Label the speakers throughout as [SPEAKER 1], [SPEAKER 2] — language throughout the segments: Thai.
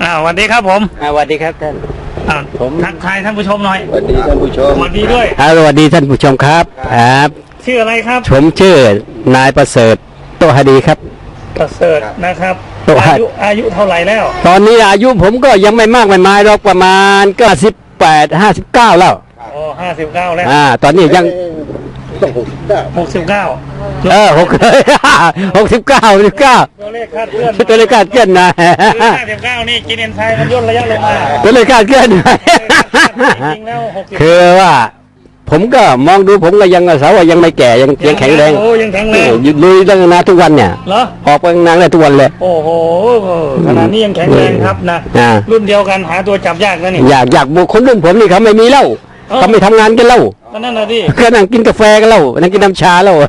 [SPEAKER 1] สวัสดีครับผม
[SPEAKER 2] สวัสดีครับท่าน
[SPEAKER 1] ผมทักทายท่านผู้ชมหน่อย
[SPEAKER 2] สวัสดีท่านผู้ชม
[SPEAKER 1] สวัสดีด้วย
[SPEAKER 2] สวัสดีท่านผู้ชมครับ
[SPEAKER 1] ชื่ออะไรครับ
[SPEAKER 2] ผมชื่อนายประเสริฐโตหดีครับ
[SPEAKER 1] ประเสริฐนะครับอายุเท่าไหร่แล้ว
[SPEAKER 2] ตอนนี้อายุผมก็ยังไม่มากไม่มายหรอกประมาณก็58-59แล้ว
[SPEAKER 1] 59แล้ว
[SPEAKER 2] ตอนนี้ยัง
[SPEAKER 1] 69
[SPEAKER 2] ตัวเลขคาดเคลื่อนนะ
[SPEAKER 1] 59นี่กินเอนไซม์มันย่นระยะลงมา
[SPEAKER 2] ตัวเลขคาดเคลื่อน
[SPEAKER 1] จริงแล้ว
[SPEAKER 2] คือว่าผมก็มองดูผมก็ยังสาวว่ายังไม่แก่ยังแข็งแรง
[SPEAKER 1] ยังแข็งแรง
[SPEAKER 2] ลุยตั้งนานทุกวันเนี่ยออกไปนานเลยทุกวันเลย
[SPEAKER 1] โอ้โหขนาดนี้ยังแข็งแรงครับนะรุ่นเดียวกันหาตัวจับยากนะนี่
[SPEAKER 2] อยากบุคคลรุ่นผมนี่เขาไม่มีเหล้าเขาไม่ทำงานกันเหล้า
[SPEAKER 1] นั่นน่ะดิ
[SPEAKER 2] ก็นั่งกินกาแฟกันเหล้านั่งกินน้ำชาเหล้า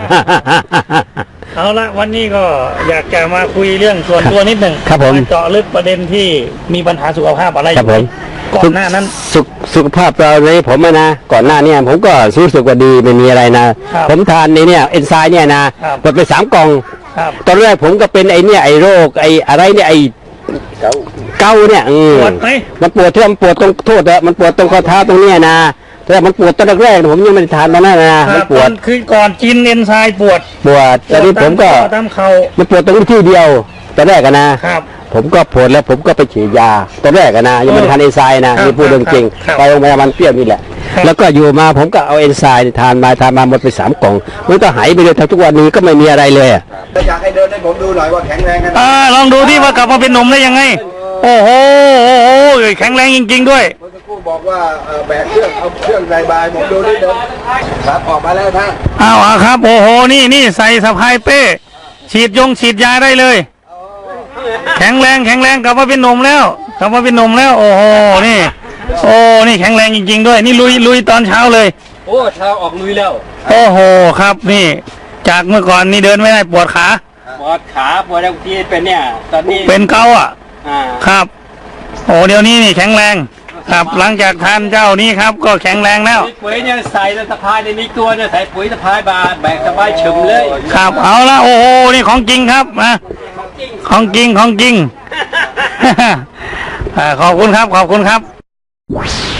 [SPEAKER 1] เอาละวันนี้ก็อยากจะมาคุยเรื่องส่วนตัวนิดหนึ่ง
[SPEAKER 2] ครับผม
[SPEAKER 1] เจาะลึกประเด็นที่มีปัญหาสุขภาพอะไรอยู่ก่อนหน้านั้น
[SPEAKER 2] สุขภาพเราในผมนะก่อนหน้านี้ผมก็รู้สึกว่าดีไม่มีอะไรนะผมทานในเนี่ยเอนไซม์เนี่ยนะหมดไป3 กล่องตอนแรกผมก็เป็นไอ้เนี่ยไอ้โรคไอ้อะไรเนี่ยไอ้เกาเนี่ย
[SPEAKER 1] ปวดไหม
[SPEAKER 2] มันปวดที่มันปวดตรงโทษมันปวดตรงข้อเท้าตรงเนี้ยนะแต่มันปวดตอนแรกผมยังไม่ได้ทานตอนนั้นนะมันปวด
[SPEAKER 1] คือก่อนกินเอนไซม์ปวด
[SPEAKER 2] ตอนนี้ผมก็มันปวดตรงที่เดียวตอนแรกนะครับผมก็ปวดแล้วผมก็ไปฉีดยาตอนแรกนะยังไม่ได้ทานเอนไซม์นะนี่พูดเรื่องจริงไปโรงพยาบาลเปรี้ยวนี่แหละแล้วก็อยู่มาผมก็เอาเอนไซม์ทานมาหมดไป3 กล่องมันก็หายไปเลยทุกวันนี้ก็ไม่มีอะไรเลย
[SPEAKER 3] อยากให้เดินให้ผมดูหน่อยว่าแข็งแรงกัน
[SPEAKER 1] ลองดูที่ว่ากลับมาเป็นหนุ่มได้ยังไงโอ้โหแข็งแรงจริงๆด้วย
[SPEAKER 3] เมื่อสักครู่บอกว่าแบกเครื่องเอาเครื่องใส่บายผมดูนี่เดินครับออกมาแล้วท่าน
[SPEAKER 1] ครับโอ้โหนี่ใส่สะพายเป้ฉีดยาได้เลยแข็งแรงกลับมาเป็นหนุ่มแล้วโอ้โหนี่แข็งแรงจริงๆด้วยนี่ลุยตอนเช้าเลย
[SPEAKER 2] เช้าออกลุยแล้ว
[SPEAKER 1] โอ้โหครับนี่จากเมื่อก่อนนี่เดินไม่ได้ปวดขา
[SPEAKER 2] ปวดบางทีเป็นเนี่ยตอนนี้
[SPEAKER 1] เป็นเกาครับโอ้เดี๋ยวนี้นี่แข็งแรงครับหลังจากทานเจ้านี้ครับก็แข็งแรงแล้ว
[SPEAKER 2] ปุ๋ยเนี่ยใส่สะพายในนี้ตัวเนี่ยใส่ปุ๋ยสะพายบาแบกสบายเฉิมเลย
[SPEAKER 1] ครับเอาละโอ้โหนี่ของจริงครับของจริง ขอบคุณครับ